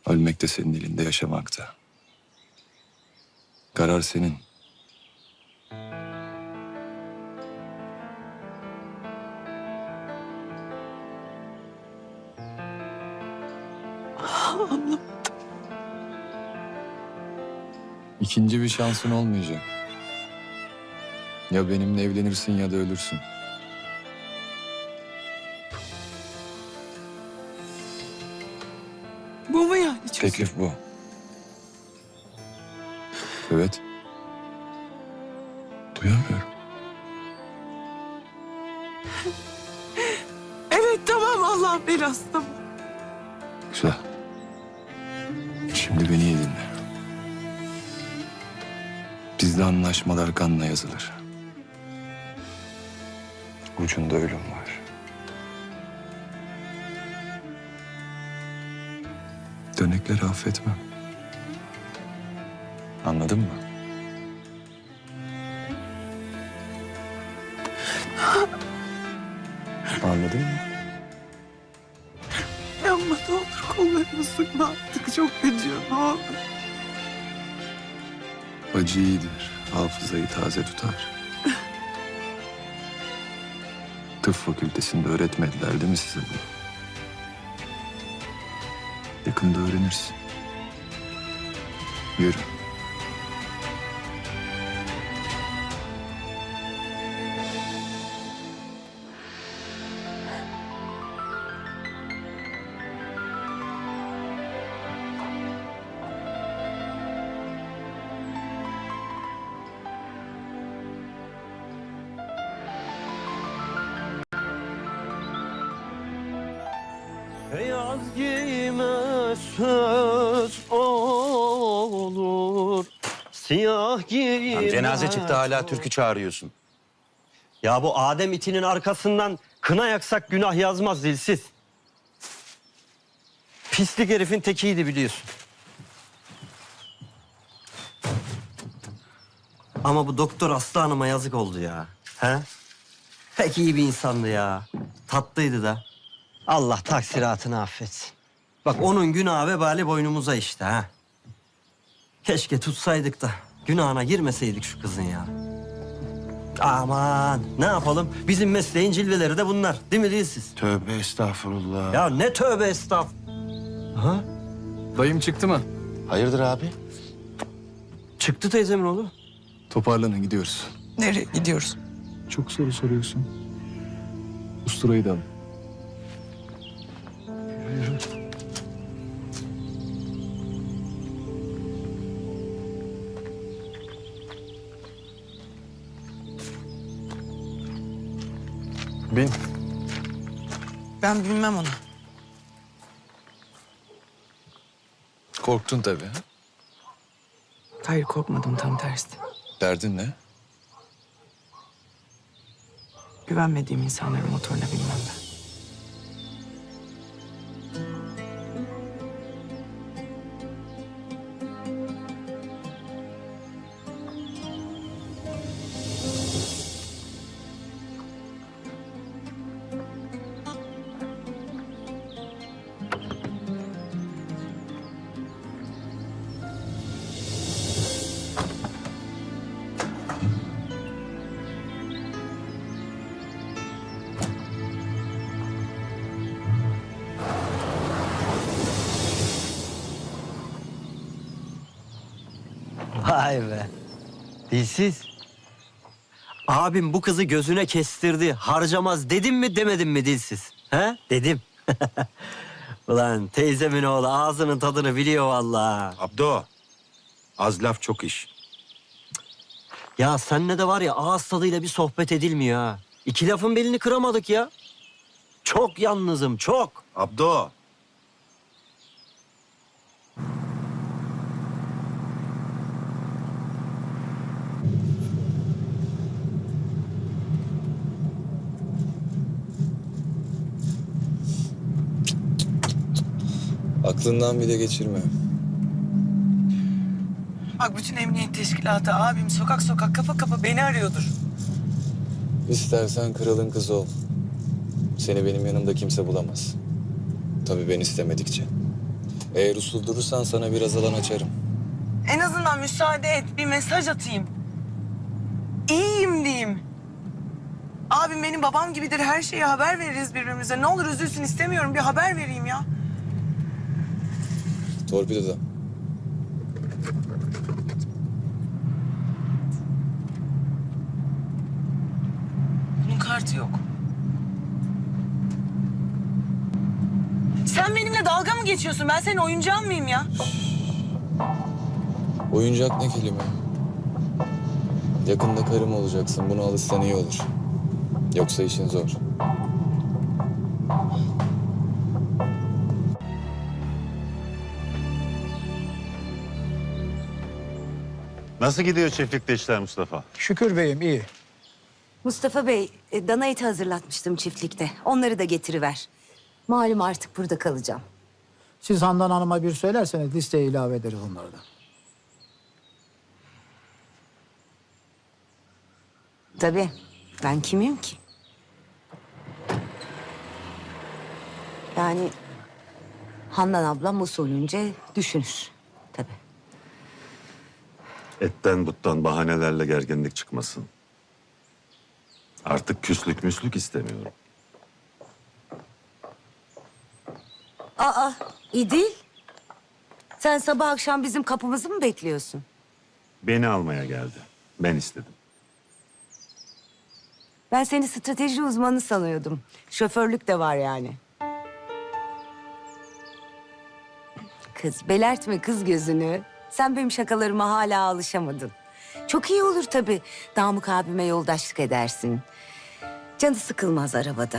Ölmek de senin elinde, yaşamak da. Karar senin. Anlamadım. İkinci bir şansın olmayacak. Ya benimle evlenirsin ya da ölürsün. Bu mu yani çözüm? Teklif bu. Evet. Duyamıyorum. Evet tamam, Allah'ın belası tamam. Güzel. Şimdi beni iyi dinle. Bizde anlaşmalar kanla yazılır. Ucunda ölüm var. Dönekleri affetmem. Anladın mı? Anladın mı? Yapma ne olur, kollarımı sıkma artık, çok acıyor ne olur. Acı iyidir. Hafızayı taze tutar. Tıp fakültesinde öğretmediler değil mi size bunu? Yakında öğrenirsin. Yürü. Beyaz giyime söz olur, siyah giyime... Lan cenaze çıktı hala türkü çağırıyorsun. Ya bu Adem itinin arkasından kına yaksak günah yazmaz dilsiz. Pislik herifin tekiydi biliyorsun. Ama bu doktor Aslı Hanım'a yazık oldu ya. He? Pek iyi bir insandı ya. Tatlıydı da. Allah taksiratını affetsin. Bak onun günahı vebali boynumuza işte ha. Keşke tutsaydık da günahına girmeseydik şu kızın ya. Aman ne yapalım? Bizim mesleğin cilveleri de bunlar. Değil mi değilsiz? Tövbe estağfurullah. Ya ne tövbe estağf. Ha? Dayım çıktı mı? Hayırdır abi? Çıktı teyzemin oğlu. Toparlanın gidiyoruz. Nereye gidiyoruz? Çok soru soruyorsun. Usturayı da alın. Bin. Ben bilmem onu. Korktun tabii. Ha? Hayır korkmadım, tam tersi. Derdin ne? Güvenmediğim insanların motoruna binmem ben. Vay be. Dilsiz. Abim bu kızı gözüne kestirdi. Harcamaz dedim mi demedim mi dilsiz? He? Dedim. Ulan teyzemin oğlu ağzının tadını biliyor vallahi. Abdo, az laf çok iş. Ya seninle de var ya ağız tadıyla bir sohbet edilmiyor ha. İki lafın belini kıramadık ya. Çok yalnızım, çok. Abdo. Aklından bile geçirme. Bak bütün emniyet teşkilatı, abim sokak sokak, kapı kapı beni arıyordur. İstersen kralın kızı ol. Seni benim yanımda kimse bulamaz. Tabii ben istemedikçe. Eğer usul durursan sana biraz alan açarım. En azından müsaade et, bir mesaj atayım. İyiyim diyeyim. Abim benim babam gibidir, her şeye haber veririz birbirimize. Ne olur üzülsün istemiyorum, bir haber vereyim ya. Torpidoda. Bunun kartı yok. Sen benimle dalga mı geçiyorsun? Ben senin oyuncağın mıyım ya? Oyuncak ne kelime? Yakında karım olacaksın. Buna alışsan iyi olur. Yoksa işin zor. Nasıl gidiyor çiftlikte işler Mustafa? Şükür beyim iyi. Mustafa Bey, dana eti hazırlatmıştım çiftlikte. Onları da getiriver. Malum artık burada kalacağım. Siz Handan Hanım'a bir söylerseniz listeye ilave ederiz onları da. Tabii, ben kimim ki? Yani Handan ablam usulünce düşünür. Tabii. Etten buttan bahanelerle gerginlik çıkmasın. Artık küslük müslük istemiyorum. Aa, İdil. Sen sabah akşam bizim kapımızı mı bekliyorsun? Beni almaya geldi. Ben istedim. Ben seni strateji uzmanı sanıyordum. Şoförlük de var yani. Kız, belertme kız gözünü. Sen benim şakalarıma hala alışamadın. Çok iyi olur tabii. Namık abime yoldaşlık edersin. Canı sıkılmaz arabada.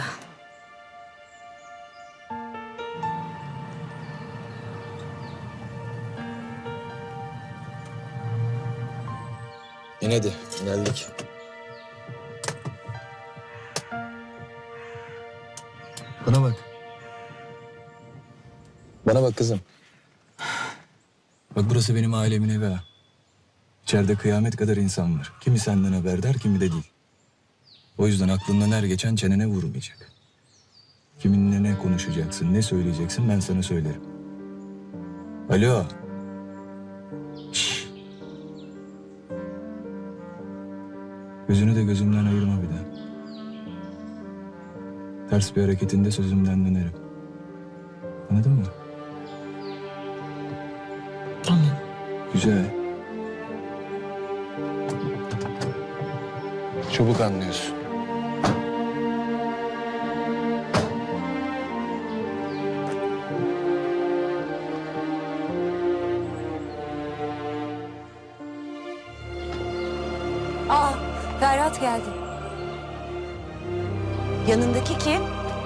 İn hadi, geldik. Bana bak. Bana bak kızım. Bak burası benim ailemin evi ha. İçeride kıyamet kadar insan var. Kimi senden haberdar, kimi de değil. O yüzden aklından her geçen çenene vurmayacak. Kiminle ne konuşacaksın, ne söyleyeceksin ben sana söylerim. Alo. Şşş. Gözünü de gözümden ayırma bir daha. Ters bir hareketinde sözümden dönerim. Anladın mı? Anladım. Güzel. Çabuk anlıyorsun. Aa, Ferhat geldi. Yanındaki kim?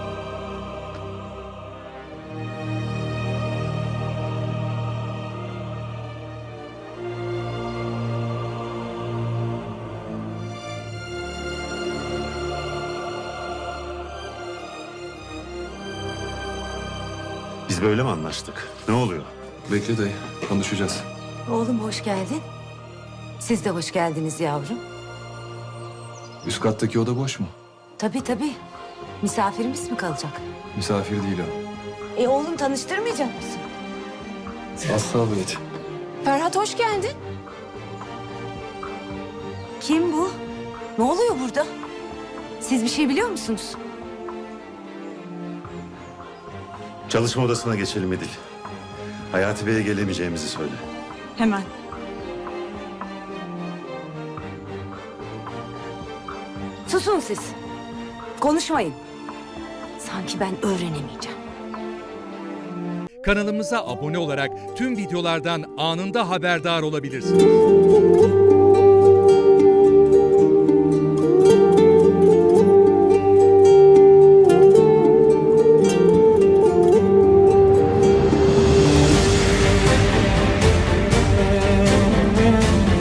Biz böyle mi anlaştık? Ne oluyor? Bekle dayı, konuşacağız. Oğlum hoş geldin. Siz de hoş geldiniz yavrum. Üst kattaki oda boş mu? Tabii tabii. Misafirimiz mi kalacak? Misafir değil o. Oğlum tanıştırmayacak mısın? Asabiyet. Ferhat hoş geldin. Kim bu? Ne oluyor burada? Siz bir şey biliyor musunuz? Çalışma odasına geçelim Edil. Hayati Bey'e gelemeyeceğimizi söyle. Hemen. Susun siz. Konuşmayın. Sanki ben öğrenemeyeceğim. Kanalımıza abone olarak tüm videolardan anında haberdar olabilirsiniz.